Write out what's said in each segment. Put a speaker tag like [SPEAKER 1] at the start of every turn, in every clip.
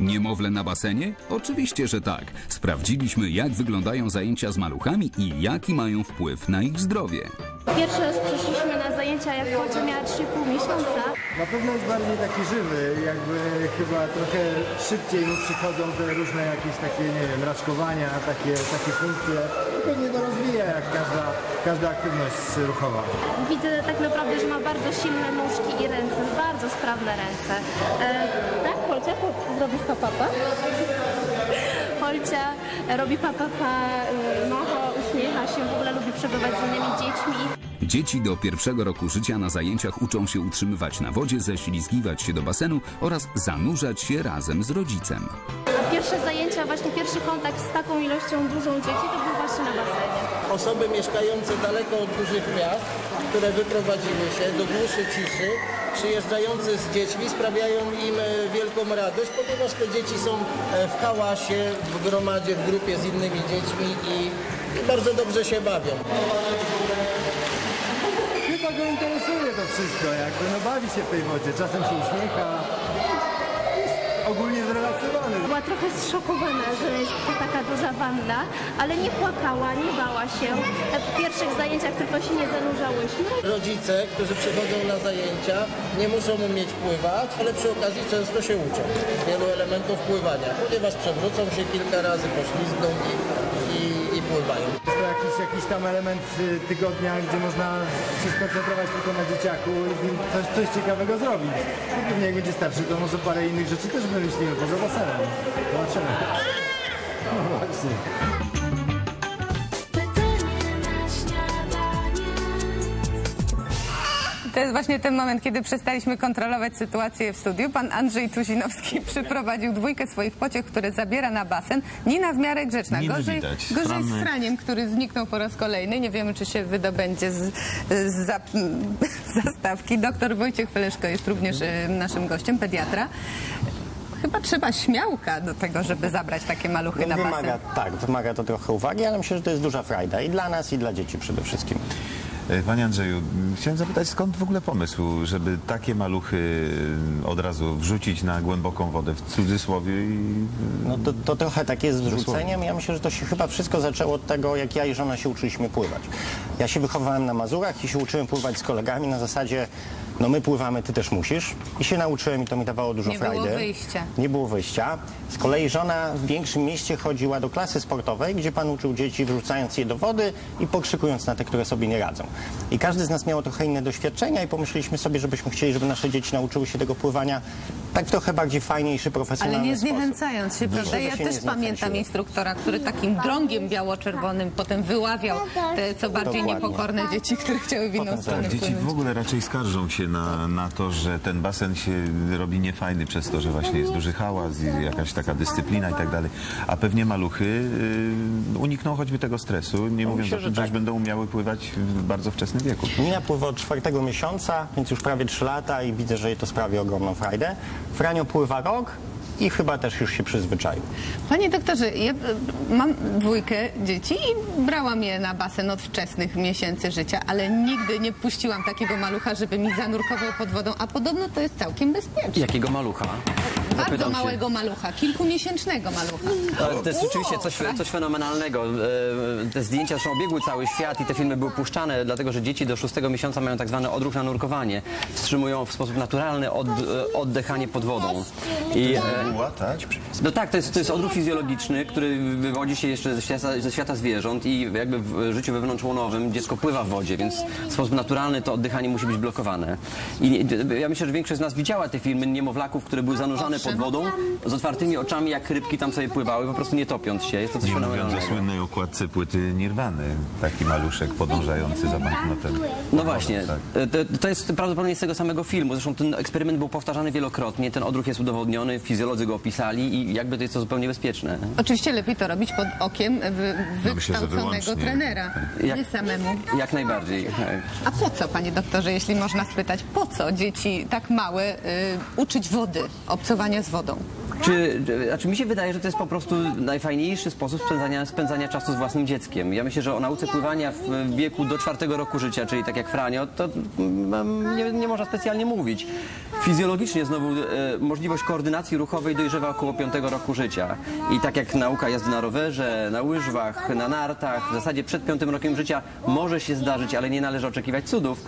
[SPEAKER 1] Niemowlę na basenie? Oczywiście, że tak. Sprawdziliśmy, jak wyglądają zajęcia z maluchami i jaki mają wpływ na ich zdrowie.
[SPEAKER 2] Pierwszy raz przyszliśmy na zajęcia, jak Olcia miała 3,5 miesiąca.
[SPEAKER 3] Na pewno jest bardziej taki żywy, jakby chyba trochę szybciej mu przychodzą te różne jakieś takie, nie wiem, raczkowania, takie funkcje. Pewnie to rozwija jak każda aktywność ruchowa.
[SPEAKER 2] Widzę tak naprawdę, że ma bardzo silne nóżki i ręce, bardzo sprawne ręce. Tak, Olcia, zrobisz papapa? Olcia robi papapa, macha, uśmiecha się, w ogóle lubi przebywać z innymi dziećmi.
[SPEAKER 1] Dzieci do 1. roku życia na zajęciach uczą się utrzymywać na wodzie, ześlizgiwać się do basenu oraz zanurzać się razem z rodzicem.
[SPEAKER 2] A pierwsze zajęcia, właśnie pierwszy kontakt z taką ilością dużą dzieci to był właśnie na basenie.
[SPEAKER 4] Osoby mieszkające daleko od dużych miast, które wyprowadziły się do głuszy, ciszy, przyjeżdżający z dziećmi sprawiają im wielką radość, ponieważ te dzieci są w hałasie, w gromadzie, w grupie z innymi dziećmi i bardzo dobrze się bawią.
[SPEAKER 3] Chyba go interesuje to wszystko, jakby bawi się w tej wodzie, czasem się uśmiecha. Jest ogólnie zrelaksowany.
[SPEAKER 2] Była trochę zszokowana, że jest to taka duża wanna, ale nie płakała, nie bała się. W pierwszych zajęciach tylko się nie zanurzałyśmy.
[SPEAKER 4] Rodzice, którzy przychodzą na zajęcia, nie muszą umieć pływać, ale przy okazji często się uczą wielu elementów pływania, ponieważ przewrócą się kilka razy, poślizgną i pływają.
[SPEAKER 3] Jest to jakiś tam element tygodnia, gdzie można się skoncentrować tylko na dzieciaku i z nim coś ciekawego zrobić. I pewnie jak będzie starszy, to może parę innych rzeczy też wymyślimy poza basenem. Zobaczymy. No właśnie.
[SPEAKER 5] To jest właśnie ten moment, kiedy przestaliśmy kontrolować sytuację w studiu. Pan Andrzej Tuzinowski przyprowadził dwójkę swoich pociech, które zabiera na basen. Nina w miarę grzeczna. Gorzej z Franiem, który zniknął po raz kolejny. Nie wiemy, czy się wydobędzie z zastawki. Doktor Wojciech Feleszko jest również naszym gościem, pediatra. Chyba trzeba śmiałka do tego, żeby zabrać takie maluchy na basen.
[SPEAKER 6] Tak, wymaga to trochę uwagi, ale myślę, że to jest duża frajda i dla nas, i dla dzieci przede wszystkim.
[SPEAKER 7] Panie Andrzeju, chciałem zapytać, skąd w ogóle pomysł, żeby takie maluchy od razu wrzucić na głęboką wodę, w cudzysłowie?
[SPEAKER 6] No to trochę tak jest z wrzuceniem. Ja myślę, że to się chyba wszystko zaczęło od tego, jak ja i żona się uczyliśmy pływać. Ja się wychowałem na Mazurach i się uczyłem pływać z kolegami na zasadzie, no my pływamy, ty też musisz. I się nauczyłem i to mi dawało dużo frajdy.
[SPEAKER 5] Nie było wyjścia.
[SPEAKER 6] Nie było wyjścia. Z kolei żona w większym mieście chodziła do klasy sportowej, gdzie pan uczył dzieci, wrzucając je do wody i pokrzykując na te, które sobie nie radzą. I każdy z nas miał trochę inne doświadczenia i pomyśleliśmy sobie, żebyśmy chcieli, żeby nasze dzieci nauczyły się tego pływania tak w trochę bardziej fajniejszy, profesjonalny
[SPEAKER 5] Ale nie
[SPEAKER 6] sposób.
[SPEAKER 5] zniechęcając się, prawda? Ja też pamiętam instruktora, który takim drągiem biało-czerwonym potem wyławiał te co bardziej niepokorne dzieci, które chciały w inną stronę
[SPEAKER 7] Dzieci
[SPEAKER 5] płynąć.
[SPEAKER 7] w ogóle raczej skarżą się na to, że ten basen się robi niefajny przez to, że właśnie jest duży hałas i jakaś taka dyscyplina i tak dalej. A pewnie maluchy unikną choćby tego stresu, nie mówiąc o tym, że już będą umiały pływać w bardzo wczesnym wieku.
[SPEAKER 6] Nina pływa od 4. miesiąca, więc już prawie 3 lata i widzę, że jej to sprawi ogromną frajdę. Franio pływa rok i chyba też już się przyzwyczaił.
[SPEAKER 5] Panie doktorze, ja mam 2 dzieci i brałam je na basen od wczesnych miesięcy życia, ale nigdy nie puściłam takiego malucha, żeby mi zanurkował pod wodą, a podobno to jest całkiem bezpieczne.
[SPEAKER 8] Jakiego malucha?
[SPEAKER 5] Bardzo małego malucha, kilkumiesięcznego malucha.
[SPEAKER 8] To jest rzeczywiście coś fenomenalnego. Te zdjęcia zresztą obiegły cały świat i te filmy były puszczane, dlatego że dzieci do 6. miesiąca mają tak zwany odruch na nurkowanie. Wstrzymują w sposób naturalny oddychanie pod wodą. No tak, to jest odruch fizjologiczny, który wywodzi się jeszcze ze świata zwierząt i jakby w życiu wewnątrzłonowym dziecko pływa w wodzie, więc w sposób naturalny to oddychanie musi być blokowane. I ja myślę, że większość z nas widziała te filmy niemowlaków, które były zanurzane pod wodą z otwartymi oczami, jak rybki tam sobie pływały, po prostu nie topiąc się. Jest to coś fenomenalnego.
[SPEAKER 7] Nie mówiąc o słynnej okładce płyty Nirwany, taki maluszek podążający za banknotem.
[SPEAKER 8] No właśnie, to jest prawdopodobnie z tego samego filmu. Zresztą ten eksperyment był powtarzany wielokrotnie, ten odruch jest udowodniony, fizjolodzy go opisali i jakby to jest to zupełnie bezpieczne.
[SPEAKER 5] Oczywiście lepiej to robić pod okiem wykształconego trenera, nie samemu.
[SPEAKER 8] Jak najbardziej.
[SPEAKER 5] A po co, panie doktorze, jeśli można spytać, po co dzieci tak małe uczyć wody, obcowania z wodą?
[SPEAKER 8] Znaczy mi się wydaje, że to jest po prostu najfajniejszy sposób spędzania czasu z własnym dzieckiem. Ja myślę, że o nauce pływania w wieku do 4 roku życia, czyli tak jak Franio, to nie można specjalnie mówić. Fizjologicznie znowu możliwość koordynacji ruchowej dojrzewa około 5 roku życia. I tak jak nauka jazdy na rowerze, na łyżwach, na nartach, w zasadzie przed 5 rokiem życia może się zdarzyć, ale nie należy oczekiwać cudów,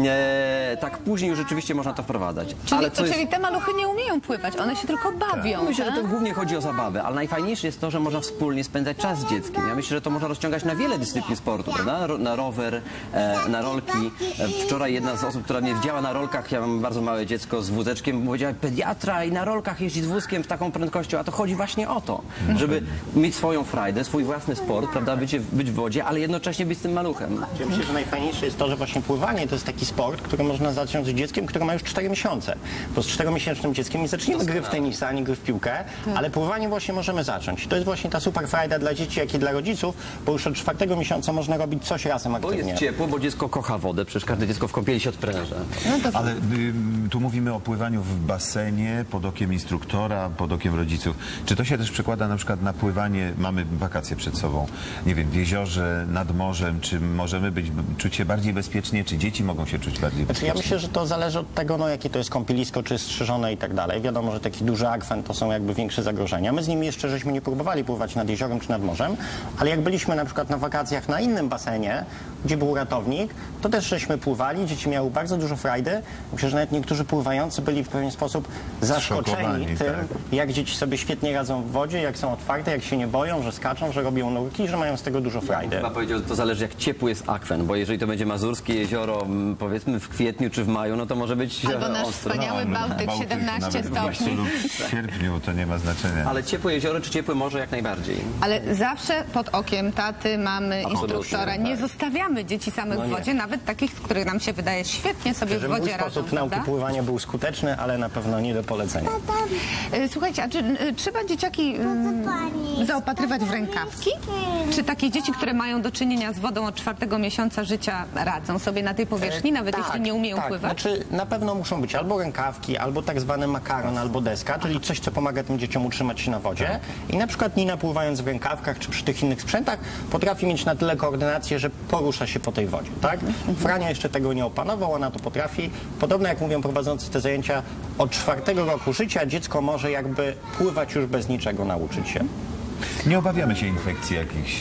[SPEAKER 8] tak później już rzeczywiście można to wprowadzać.
[SPEAKER 5] Czyli te maluchy nie umieją pływać, one się tylko bawią.
[SPEAKER 8] Myślę, że to głównie chodzi o zabawę, ale najfajniejsze jest to, że można wspólnie spędzać czas z dzieckiem. Ja myślę, że to można rozciągać na wiele dyscyplin sportu, prawda? Na rower, na rolki. Wczoraj jedna z osób, która mnie widziała na rolkach, ja mam bardzo małe dziecko z wózeczkiem, powiedziała, pediatra i na rolkach jeździ z wózkiem z taką prędkością, a to chodzi właśnie o to, żeby mieć swoją frajdę, swój własny sport, prawda? Być w wodzie, ale jednocześnie być z tym maluchem.
[SPEAKER 6] Ja myślę, że najfajniejsze jest to, że właśnie pływanie to jest taki sport, który można zacząć z dzieckiem, które ma już 4 miesiące. Bo z 4-miesięcznym dzieckiem nie zaczniemy gry w tenisa, ani gry w piłkę, ale pływanie właśnie możemy zacząć. To jest właśnie ta super frajda dla dzieci, jak i dla rodziców, bo już od 4 miesiąca można robić coś razem aktywnie.
[SPEAKER 8] Bo jest ciepło, bo dziecko kocha wodę, przecież każde dziecko w kąpieli się odpręża.
[SPEAKER 7] Ale tu mówimy o pływaniu w basenie, pod okiem instruktora, pod okiem rodziców. Czy to się też przekłada na przykład na pływanie, mamy wakacje przed sobą, nie wiem, w jeziorze, nad morzem, czy możemy czuć się bardziej bezpiecznie, czy dzieci mogą się czuć bardziej bezpiecznie?
[SPEAKER 6] Ja myślę, że to zależy od tego, no, jakie to jest kąpielisko, czy jest strzeżone i tak dalej. Wiadomo, że taki duży akwen to są jakby większe zagrożenia. My z nimi jeszcze żeśmy nie próbowali pływać nad jeziorem czy nad morzem, ale jak byliśmy na przykład na wakacjach na innym basenie, gdzie był ratownik, to też żeśmy pływali, dzieci miały bardzo dużo frajdy. Myślę, że nawet niektórzy pływający byli w pewien sposób zaskoczeni tym, jak dzieci sobie świetnie radzą w wodzie, jak są otwarte, jak się nie boją, że skaczą, że robią nurki, że mają z tego dużo frajdy.
[SPEAKER 8] Chyba powiedział, to zależy jak ciepły jest akwen, bo jeżeli to będzie mazurskie jezioro, powiedzmy w kwietniu czy w maju, no to może być
[SPEAKER 5] albo nasz wspaniały Bałtyk, 17 stopni.
[SPEAKER 7] Lub w sierpniu, to nie ma znaczenia.
[SPEAKER 8] Ale ciepłe jezioro czy ciepłe morze jak najbardziej.
[SPEAKER 5] Ale zawsze pod okiem taty, mamy, instruktora. Nie zostawiamy dzieci samych w wodzie, nawet takich, których nam się wydaje świetnie sobie w wodzie radzą.
[SPEAKER 6] Mój sposób nauki pływania był skuteczny, ale na pewno nie do polecenia.
[SPEAKER 5] Słuchajcie, a czy trzeba dzieciaki zaopatrywać w rękawki? Czy takie dzieci, które mają do czynienia z wodą od 4 miesiąca życia radzą sobie na tej powierzchni, nawet jeśli nie umieją pływać?
[SPEAKER 6] Znaczy, na pewno muszą być albo rękawki, albo tak zwany makaron, albo deska, czyli coś, co pomaga tym dzieciom utrzymać się na wodzie. I na przykład Nina, pływając w rękawkach czy przy tych innych sprzętach, potrafi mieć na tyle koordynację, że porusza się po tej wodzie, tak? Frania jeszcze tego nie opanował, ona to potrafi. Podobno jak mówią prowadzący te zajęcia, od 4 roku życia dziecko może jakby pływać już bez niczego nauczyć się.
[SPEAKER 7] Nie obawiamy się infekcji jakichś,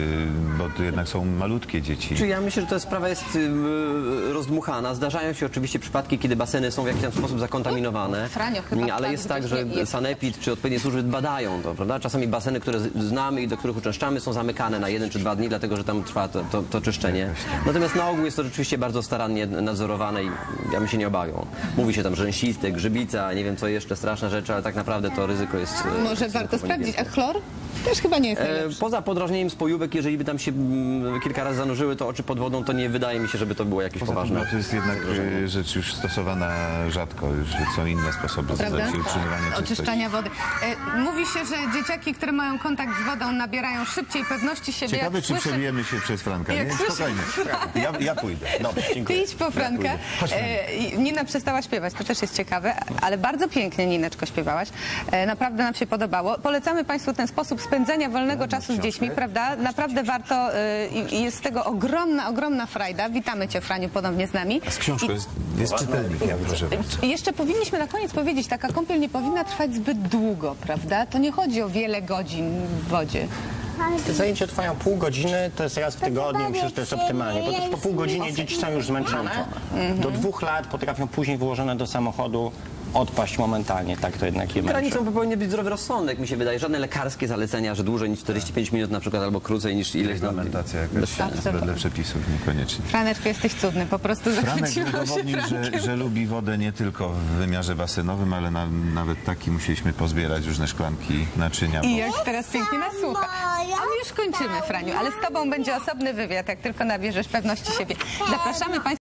[SPEAKER 7] bo to jednak są malutkie dzieci.
[SPEAKER 8] Czy ja myślę, że ta sprawa jest rozdmuchana. Zdarzają się oczywiście przypadki, kiedy baseny są w jakiś tam sposób zakontaminowane.
[SPEAKER 5] Franio, chyba
[SPEAKER 8] ale jest tak, że sanepid czy odpowiednie służby badają to, prawda? Czasami baseny, które znamy i do których uczęszczamy, są zamykane na 1 czy 2 dni, dlatego że tam trwa to czyszczenie. Natomiast na ogół jest to rzeczywiście bardzo starannie nadzorowane i ja bym się nie obawiał. Mówi się tam rzęsisty, grzybica, nie wiem co jeszcze, straszne rzeczy, ale tak naprawdę to ryzyko jest...
[SPEAKER 5] Może warto sprawdzić. A chlor? Też chyba nie jest najlepszy.
[SPEAKER 8] Poza podrażnieniem spojówek, jeżeli by tam się kilka razy zanurzyły to oczy pod wodą, to nie wydaje mi się, żeby to było jakieś poważne.
[SPEAKER 7] To jest jednak rzecz już stosowana rzadko, już są inne sposoby utrzymywania
[SPEAKER 5] oczyszczania wody. Mówi się, że dzieciaki, które mają kontakt z wodą, nabierają szybciej pewności siebie.
[SPEAKER 7] Ciekawe, czy przebijemy się przez Franka, nie? Spokojnie. Ja pójdę. Dobrze, dziękuję.
[SPEAKER 5] Ty idź po Franka. Nina przestała śpiewać, to też jest ciekawe, ale bardzo pięknie, Nineczko, śpiewałaś. Naprawdę nam się podobało. Polecamy Państwu ten sposób spędzania wolnego czasu z dziećmi, prawda? Naprawdę warto i jest z tego ogromna frajda. Witamy Cię, Franiu, ponownie z nami.
[SPEAKER 7] A z książką jest czytelnik, ja proszę.
[SPEAKER 5] Jeszcze powinniśmy na koniec powiedzieć, taka kąpiel nie powinna trwać zbyt długo, prawda? To nie chodzi o wiele godzin w wodzie.
[SPEAKER 6] Te zajęcia trwają pół godziny, to jest raz w tygodniu, myślę, że to jest optymalnie, bo też po pół godzinie dzieci są już zmęczone. Do 2 lat potrafią później włożone do samochodu odpaść momentalnie, tak to jednak je męczy.
[SPEAKER 8] Granicą powinien być zdrowy rozsądek, mi się wydaje. Żadne lekarskie zalecenia, że dłużej niż 45 minut na przykład, albo krócej niż ileś tam.
[SPEAKER 7] Reglamentacja jakaś wedle przepisów niekoniecznie.
[SPEAKER 5] Franeczku, jesteś cudny, po prostu
[SPEAKER 7] Franek udowodnił, że lubi wodę nie tylko w wymiarze basenowym, ale nawet taki musieliśmy pozbierać różne szklanki, naczynia.
[SPEAKER 5] I jak teraz pięknie nas słucha. A my już kończymy, Franiu, ale z Tobą będzie osobny wywiad, jak tylko nabierzesz pewności siebie. Zapraszamy Państwa